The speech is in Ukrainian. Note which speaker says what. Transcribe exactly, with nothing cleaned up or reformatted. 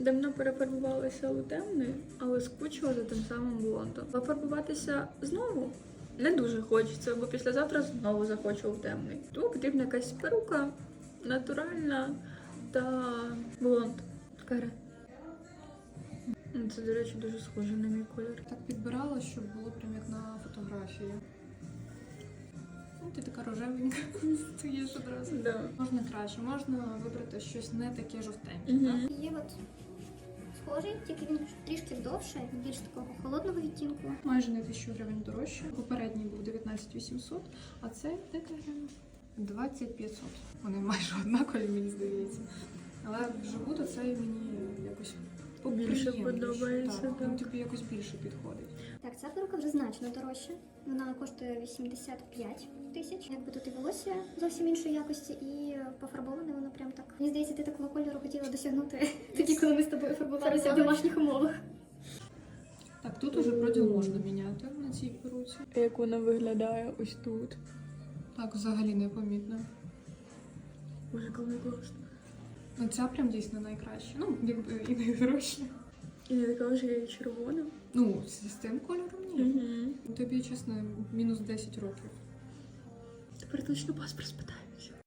Speaker 1: Давно перефарбувалася у темний, але скучила за тим самим блондом. Пофарбуватися знову не дуже хочеться, бо післязавтра знову захочу у темний. Тому потрібна якась перука, натуральна та блонд. Каре. Це, до речі, дуже схоже на мій колір.
Speaker 2: Так підбирала, щоб було прям як на фотографії. Ну, ти така рожевенька, стоїш одразу.
Speaker 1: Да.
Speaker 2: Можна краще, можна вибрати щось не таке жовтеньке.
Speaker 1: Угу.
Speaker 2: Так?
Speaker 3: Є от схожий, тільки він трішки довше, більш такого холодного відтінку.
Speaker 2: Майже на тисячу гривень дорожче. Попередній був дев'ятнадцять вісімсот, а цей дайте гривень двадцять п'ятсот. Вони майже однакові, мені здається. Але вживу то цей мені якось
Speaker 1: Більше
Speaker 2: приємніше.
Speaker 1: подобається,
Speaker 2: Так, він
Speaker 1: так.
Speaker 2: тобі якось більше підходить.
Speaker 3: Так, ця перука вже значно дорожча. Вона коштує вісімдесят п'ять тисяч. Якби тут і волосся зовсім іншої якості, і пофарбоване воно прям так. Мені здається, ти такого кольору хотіла досягнути тоді, коли ми з тобою фарбувалися в домашніх умовах.
Speaker 2: Так, тут уже проділ можна міняти на цій перуці.
Speaker 1: Як вона виглядає ось тут.
Speaker 2: Так, взагалі непомітно.
Speaker 1: Боже, коли класно.
Speaker 2: Ну, ця прям дійсно найкраща. Ну, якби і найдорожча.
Speaker 1: І не така вже і червона.
Speaker 2: Ну, з, з тим кольором ні.
Speaker 1: Угу.
Speaker 2: Тобі, чесно, мінус десять років.
Speaker 1: Тепер точно паспорт спитаємося.